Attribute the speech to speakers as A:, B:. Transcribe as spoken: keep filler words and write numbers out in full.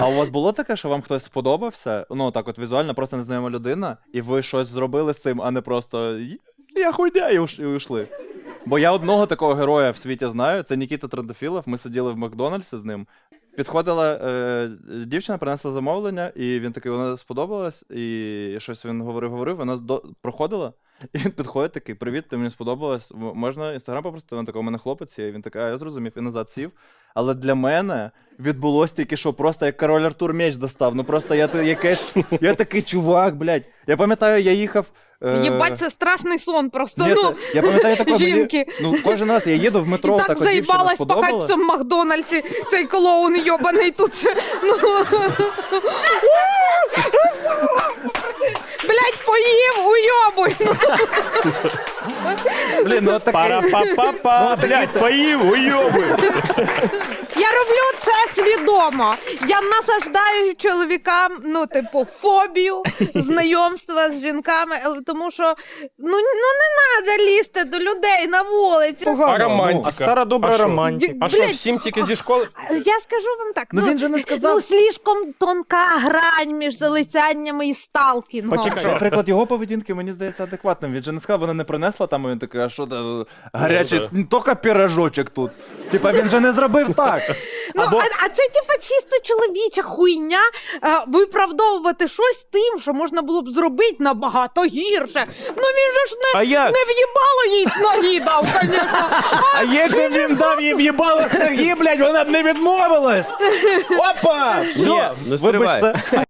A: А у вас було таке, що вам хтось сподобався? Ну, так от візуально, просто незнайома людина, і ви щось зробили з цим, а не просто «я хуйня» і уш- і ушли? Бо я одного такого героя в світі знаю, це Нікіта Трендофілов, ми сиділи в Макдональдсі з ним. Підходила е, дівчина, принесла замовлення, і він такий, вона сподобалась, і щось він говорив-говорив, вона до... проходила, і він підходить такий, привіт, ти мені сподобалась, М- можна інстаграм попросити? Він такий, у мене хлопець є, і він такий, а я зрозумів, і назад сів. Але для мене відбулось тільки що, просто як король Артур меч достав, ну просто я, ти- якесь, я такий чувак, блядь. Я пам'ятаю, я їхав... е,
B: Єбать, це страшний сон просто,
A: Ні,
B: ну,
A: та- я пам'ятаю такого,
B: жінки.
A: Мені, ну, кожен раз я їду в метро,
B: І
A: так,
B: так
A: от дівчина
B: заїбалась пахать
A: сподобала.
B: в цьому Макдональдсі, цей клоун йобаний тут ще, ну... Блядь, поїв, уйобуй! Ну.
A: Блін, ну такий...
C: Пара-па-па-па, блядь, поїв, уйоби.
B: Я роблю це свідомо. Я насаждаю чоловікам, ну, типу, фобію знайомства з жінками, але тому що, ну, ну не треба лізти до людей на вулиці.
C: А романтика?
D: А стара добра
C: А що?
D: романтика.
C: А що,
B: Блядь,
C: всім тільки зі школи?
B: Я скажу вам так,
A: Ну, він же не сказав.
B: Ну, слишком тонка грань між залицяннями і сталкінгом.
D: Почекай.
A: Наприклад, його поведінки, мені здається, адекватним. Він же не сказав, вона не принесла там, і він такий, а що там, гарячий,
C: Ну,
A: тільки пірожочок тут. Типа, він же не зробив так.
B: Ну,
D: Або-
B: а, а це типа чисто чоловіча хуйня а, виправдовувати щось тим, що можна було б зробити набагато гірше. Ну він же ж не,
D: А як?
B: не в'їбало їй з ноги дав, звісно.
D: А якщо б він дав їй в'їбало з ноги, блядь, вона б не відмовилась. Опа!
C: Ні,
D: Все,
C: ну стривай.
D: вибачте.